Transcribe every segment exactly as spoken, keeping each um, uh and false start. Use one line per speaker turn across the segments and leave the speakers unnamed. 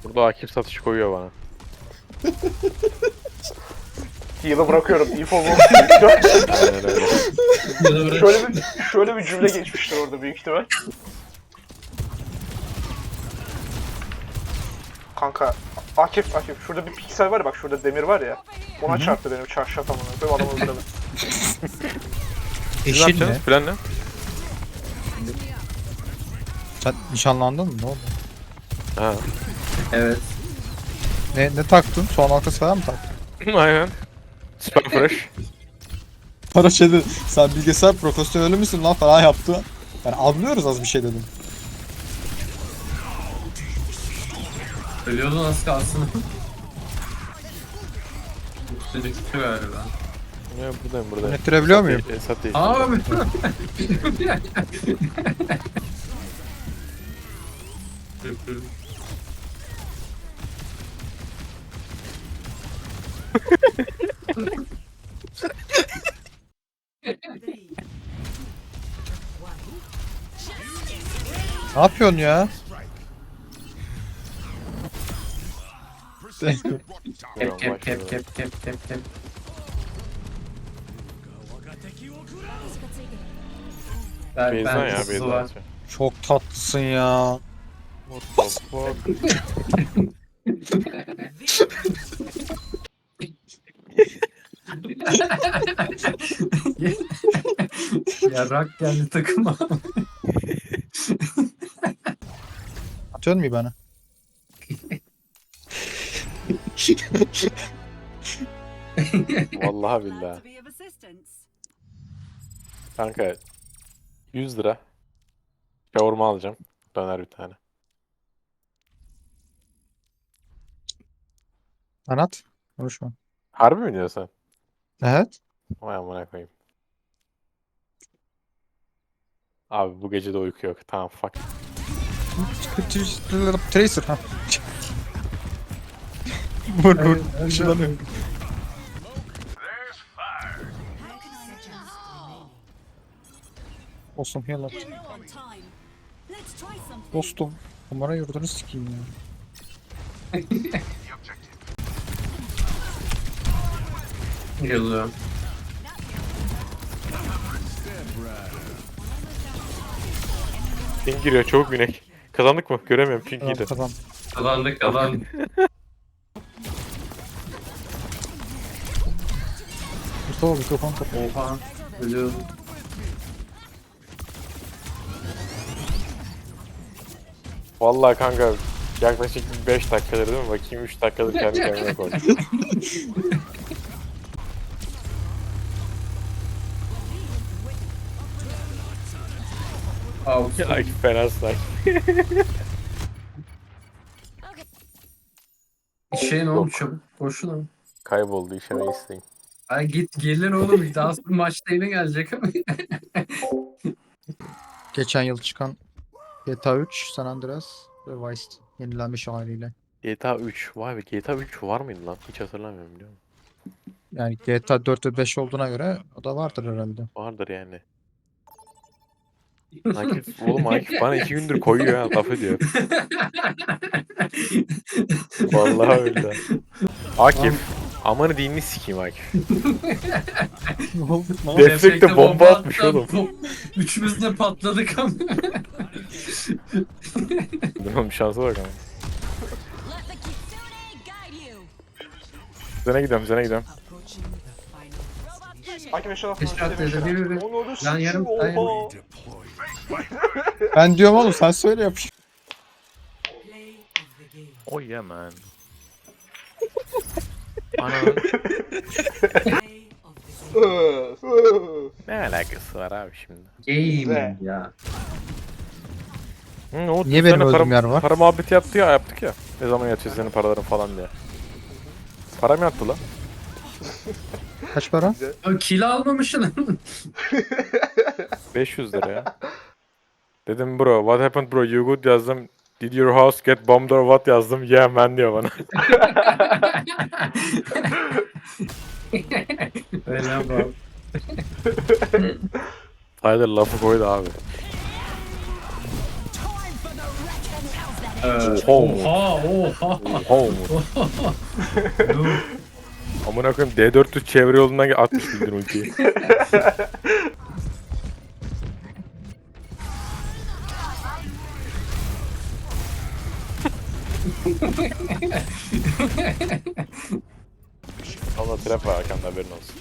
Burada Akif satış koyuyor bana.
Heal'ı bırakıyorum. Info bu.
Aynen öyle.
şöyle bir şöyle bir cümle geçmiştir orada büyük ihtimal. Kanka Akif Akif şurada bir piksel var ya, bak şurada demir var ya. Ona çarptı benim çarşaf amına koyayım, adamı öldürdüm.
Siz ne
Eşin
yapacaksınız?
mi?
Plan ne?
Sen nişanlandın mı? Ne oldu?
Ha.
Evet.
Ne, ne taktın? Soğan halkası falan mı taktın?
Aynen. Super fresh.
Para şeyde sen bilgisayar profesyoneli misin lan falan yaptı. Yani anlıyoruz az bir şey dedim.
Ölüyordu nasıl kalsın? Çocuk çıktı galiba.
Ya buradayım buradayım.
Yönettirebiliyor muyum?
Esat değil.
Abi.
Ne yapıyorsun ya?
Kep kep kep kep kep kep kep. Ben,
Beyzan
ben
ya
hızlı
Beyzan.
var.
atıyor.
Çok tatlısın ya.
What the fuck?
Ya rak geldi takıma.
Atıyorsun mu bana?
Vallahi billahi. Kanka yüz lira. Kavurma alacağım. Döner bir tane.
Anlat. Konuşma.
Harbi mi diyorsun?
Evet.
Vay amına koyayım. Abi bu gece de uyku yok. Tamam fuck.
Tracer ha. Vur vur. Işınlanıyor. Olsun heal at. Dostum. Kumara yurdunu sikeyim ya.
Geliyorum.
Ping giriyor çabuk binek. Kazandık mı? Göremiyorum ping
Tamam
girdi.
tamam.
Kazandık kazandık.
Mustafa mikrofon kapat.
Oha. Ölüyorum.
Vallahi kanka yaklaşık beş dakikadır değil mi? Bakayım üç dakikadır kendi kendime koydum.
Out.
Ya fena say.
Şey ne oldu çabuk? Boşuna.
Kayboldu işeme isteyin.
Ay git gelir oğlum. Daha sonra maçta yine gelecek ama.
Geçen yıl çıkan G T A üç, San Andreas ve Vice yenilenmiş haliyle.
G T A üç. Vay be G T A üç var mıydı lan? Hiç hatırlamıyorum biliyor musun?
Yani G T A dört ve beş olduğuna göre o da vardır herhalde.
Vardır yani. Akif, oğlum Akif bana iki gündür koyuyor ha laf ediyor. Vallahi öyle. Akif. Amanı dinini sikeyim Akif.
Ne oldu lan?
Deflekte bomba atmış
attı.
oğlum.
Bom- Üçümüz de patladık ama.
Bunun bir şansı bak ama. Zene gidiyorum, zene gidiyorum.
Akif eşyalar
Eşya
falan
atladı,
işte
bir, bir, bir.
Onu
Lan yarım-
sikeyim, oha.
Ben diyorum oğlum sen söyle yapış.
Oh yeah man. Ananın
Öf, öf.
ne alakası var abi şimdi?
Game ya.
Hı, o
Niye
bir
benim
tane
öldüğüm
para,
yer var?
Para muhabbeti yaptı ya, yaptık ya. Ne zaman yatıyor senin paraların falan diye. Para mı yattı lan?
Kaç para?
O kill almamışsın.
beş yüz lira ya. Dedim bro, what happened bro, you good yazdım. Did your house get bombed or what yazdım. Yeah man diyor bana.
Öyle bak.
Tyler lafı koydu abi.
Ee,
Oha.
Oha oha.
Oha Umut.
Dur.
Amına koyayım D dört yüz çevre yolundan atmış bildin ultiyi. Allah trap var arkanda haberin olsun.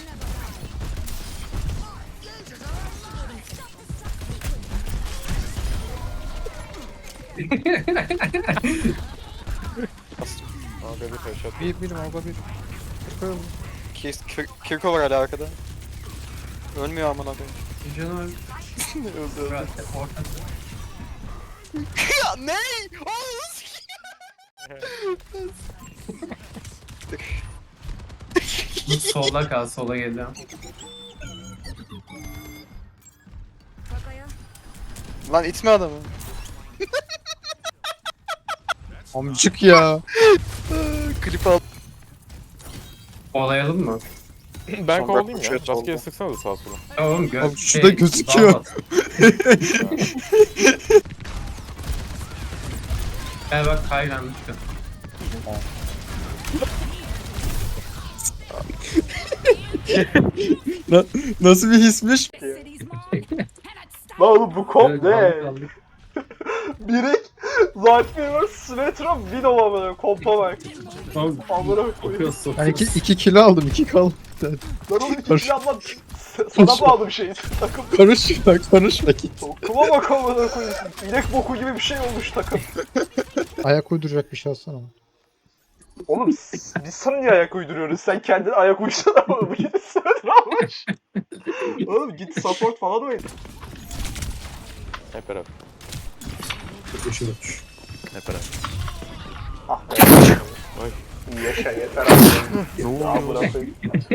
Aga bir headshot.
Bir birim Alba bir. Kirk, Kirk, Kirko var hala arkada. Ölmüyor aman abi.
Canım.
Öldü öldü.
Ortası.
Ya ne?
Dur, solda kal, sola geliyorum.
Lan itme adamı. Amcık ya. Klip al.
Olayalım mı?
Ben
Son
kovalayayım
dakika
ya.
şut
Rastgele
oldu.
sıksana da sağa sola.
Oğlum gö
Abi şurada gözüküyor.
damat. Gel bak kayganmış kız.
Na- Nasıl bir hismiş?
Lan oğlum bu komp
Evet,
ne?
kaldık, kaldık.
Birek, Zaltman vs. Symmetra, Winova böyle kompa bak.
Oğlum,
Amına koyayım.
okuyorsun.
Ben iki, iki kilo aldım, iki kal.
Lan oğlum iki
Karış-
kilo almam. Sana bağlı bir şey. Takım.
Karışma, karışma ki.
Kuma bak amına koyayım. İnek boku gibi bir şey olmuş takım.
Ayak uyduracak bir şey alsana.
Oğlum s- biz sana niye ayak uyduruyoruz? Sen kendine ayak uysana oğlum. Git Symmetra almış. Oğlum git support falan oyna.
Hep beraber.
Koşuyor.
Hep beraber.
Ah be.
Ay.
İyi yaşa yeter abi. Amına koyayım.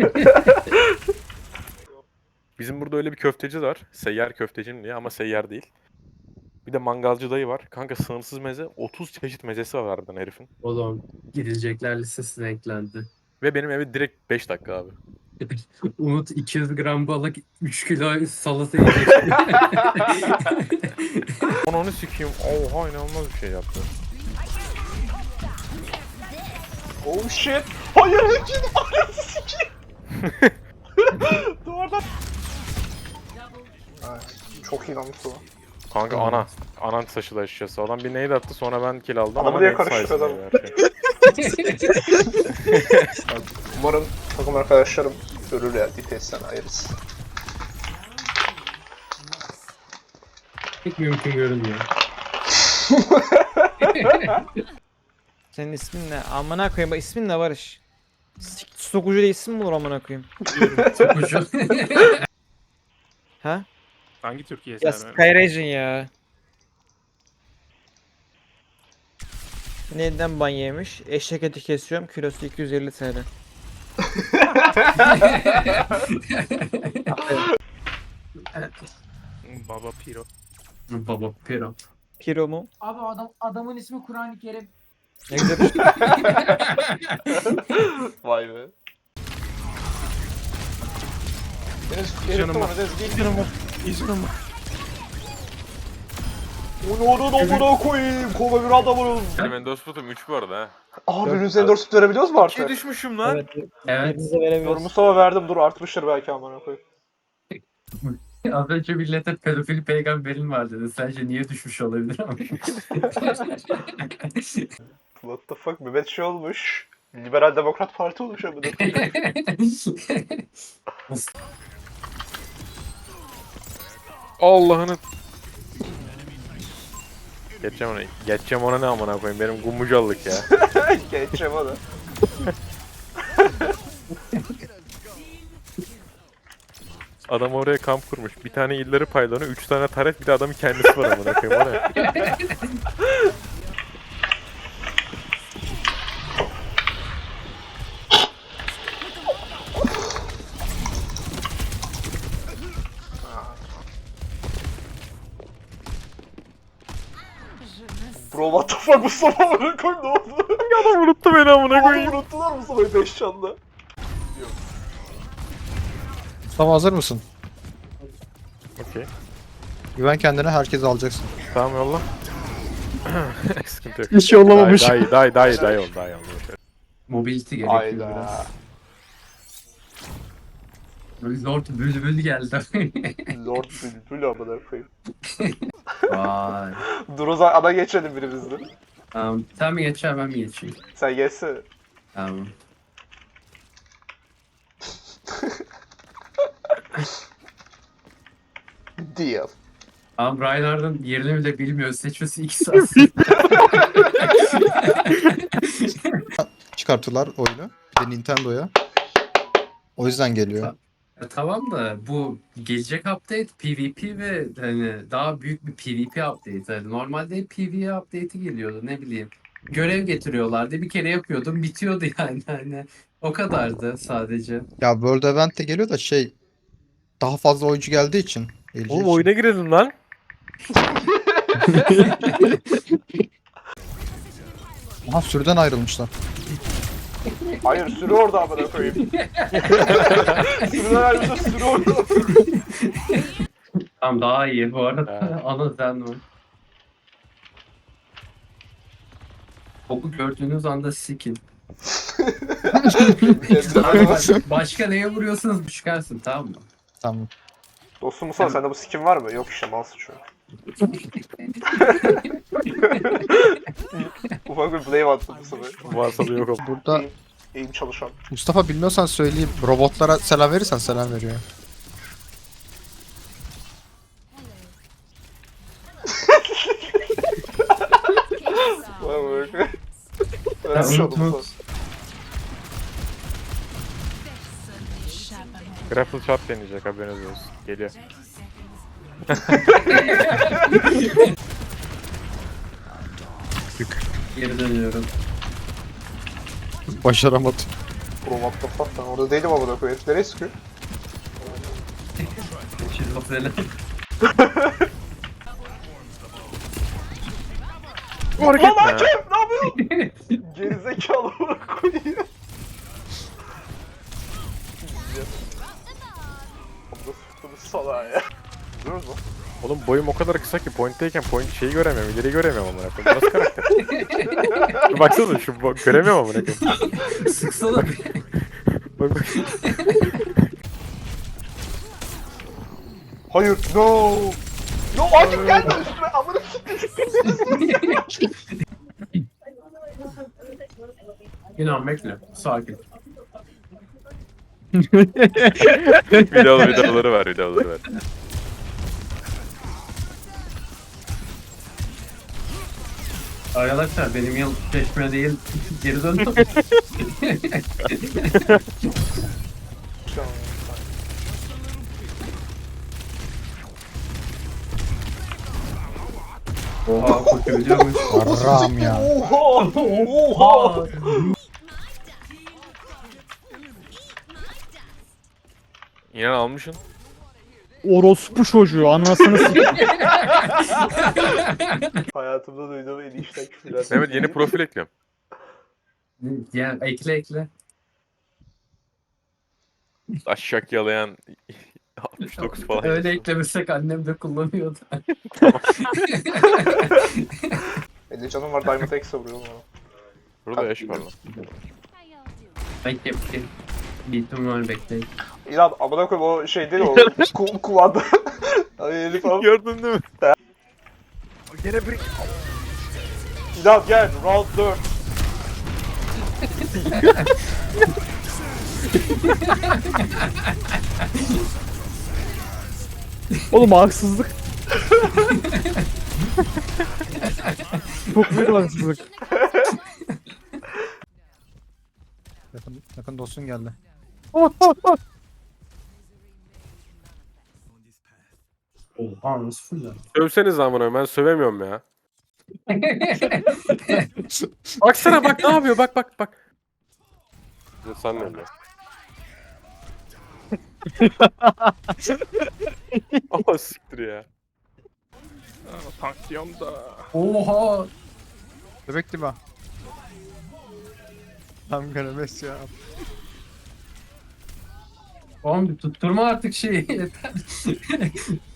Bizim burada öyle bir köfteci var. Seyyar köftecim diye ama seyyar değil. Bir de mangalcı dayı var. Kanka sınırsız meze. otuz çeşit mezesi var harbiden herifin.
Oğlum gidilecekler listesine eklendi.
Ve benim evi direkt beş dakika abi.
Umut iki yüz gram balık üç kilo salata yiyecek.
Onu onu sikeyim. Oha inanılmaz bir şey yaptı.
Oh shit. Hayır Ekin. Anasını sikeyim. Duvardan. Evet, çok iyi lan bu.
Kanka ana. Anan taşıdı açıkçası. Adam bir nade attı sonra ben kill aldım.
Adamı
ama
niye
nade
karıştırdı
sayesinde
adam?
her şey.
Umarım takım arkadaşlarım görür ya. D P S'ten ayırırız.
Pek mümkün görünmüyor.
Senin ismin ne? Amına koyayım. Bak ismin ne Barış? Sik- Sokucu diye isim mi olur amına koyayım?
Sokucu.
Ha?
Hangi Türkiye
Ya
serveri?
Skyrage'in ya. Neden ban yemiş? Eşek eti kesiyorum. Kilosu iki yüz elli T L.
Baba Piro.
Baba Piro.
Kilo mu?
Abi adam adamın ismi Kur'an-ı Kerim.
Ne güzel bir şey.
Vay be. Deniz, Deniz, Deniz, Deniz, gel.
İzledim.
Onu onun amına koyayım. Kova bir adamın.
Benim endosputum üç bu arada ha.
Aa birbirimize endorse verebiliyoruz mu
İkiye
artık?
düşmüşüm lan.
Evet.
Evet.
Birbirinize
Dur
veremiyoruz.
Mustafa verdim dur artmıştır belki amına koyayım.
Az önce millete pedofil peygamberin var dedi. Sence niye düşmüş olabilir ama?
What the fuck Mehmet şey olmuş. Liberal Demokrat Parti olmuş amına koyayım.
Allah'ını. Geçeceğim ona. Geçeceğim ona ne amına koyayım. Benim gumucallık ya.
Geçeceğim onu.
Adam oraya kamp kurmuş. Bir tane illeri paylanıyor. Üç tane taret bir de adamın kendisi var amına koyayım. O ne?
Bro what the fuck Mustafa amına koyayım ne oldu?
Adam unuttu beni amına
Oğlum
koyayım.
unuttular Mustafa'yı beş çanda.
Mustafa hazır mısın?
Okey.
Güven kendine, herkes alacaksın.
Tamam yolla. Sıkıntı yok.
Hiç yollamamış.
Daha iyi, daha iyi, daha iyi, daha iyi oldu, daha iyi oldu.
Mobility gerekiyor biraz.
Ayda.
Lord Bülbül geldi.
Lord Bülbül amına koyayım.
Vay.
Dur o zaman ana geçelim birimizden.
Tamam. Sen mi geçer ben mi geçeyim?
Sen geçsene.
Tamam.
Deal.
Ama Reinhardt'ın yerini bile bilmiyor. Seçmesi iki saat.
Çıkarttılar oyunu. Bir de Nintendo'ya. O yüzden geliyor.
Ya tamam da bu gelecek update PvP ve hani daha büyük bir PvP update. Yani normalde PvE update'i geliyordu ne bileyim. Görev getiriyorlardı. Bir kere yapıyordum bitiyordu yani hani. O kadardı sadece.
Ya World Event de geliyor da şey daha fazla oyuncu geldiği için. L G
Oğlum
için.
oyuna girelim lan.
Aha sürüden ayrılmışlar.
Hayır sürü orada amına koyayım. Sürüden ayrıca sürü orada.
Tamam daha iyi bu arada.
Ha.
Ana sen o. Topu gördüğünüz anda sikin.
Kendine-
Başka neye vuruyorsanız çıkarsın tamam mı?
Tamam.
Dostum Musa sende bu skin var mı? Yok işte malsın şu an. Ufak bir blame attım bu sefer.
Varsa da yok ama.
Burada
Eğim çalışan.
Mustafa bilmiyorsan söyleyeyim. Robotlara selam verirsen selam veriyor.
Vay be.
Ya,
Öğrenmiş
unut,
oldum
unut.
Musa.
Grapple shot deneyecek haberiniz olsun. Geliyor.
Geri dönüyorum.
Başaramadım.
Bro what the fuck lan orada değilim amına koyayım. Nereye sıkıyor?
Şizofreni.
Fark
Lan
etme.
hakem ne yapıyorsun? Gerizekalı amına koyayım. Amına sıktınız salağa ya. Görüyoruz mu?
Oğlum boyum o kadar kısa ki point'teyken point şeyi göremiyorum, ileri göremiyorum amına koyayım. Bu nasıl karakter? Dur baksana şu bo- göremiyorum amına koyayım.
Sıksana bir.
Bak bak.
Hayır no. No hakem gelme üstüme amına siktir.
İnan bekle. Sakin.
Video videoları ver, videoları ver.
Arkadaşlar benim yıl çeşme değil geri döndüm. Oha koşabiliyormuş.
Ram ya.
Oha! Oha!
İnan almışsın.
Orospu çocuğu anasını sikeyim.
Hayatımda duyduğum en iyi işten küfürler.
Mehmet yeni profil ekliyorum.
Yani ekle ekle.
Aşak yalayan altmış dokuz falan.
Öyle eklemesek annem de kullanıyordu.
elli canım var Diamond X'e vuruyorum ama.
Burada yaş var lan.
Bekle bekle. Beatim var bekleyin.
İnan amına koyayım o şey değil o ku kumanda. Ay herif abi.
Gördün değil mi? Gene bir...
İnan gel round dört.
Oğlum haksızlık. Çok büyük haksızlık.
Yakın, yakın dostun geldi.
Oha nasıl fırlar?
Sövseniz amına ben sövemiyorum ya. Baksana bak ne yapıyor bak bak bak. Sen ne öyle? Ama siktir ya.
Pansiyonda.
Oha!
Bebek gibi. Tam göremez ya.
Oğlum bir tutturma artık şeyi yeter.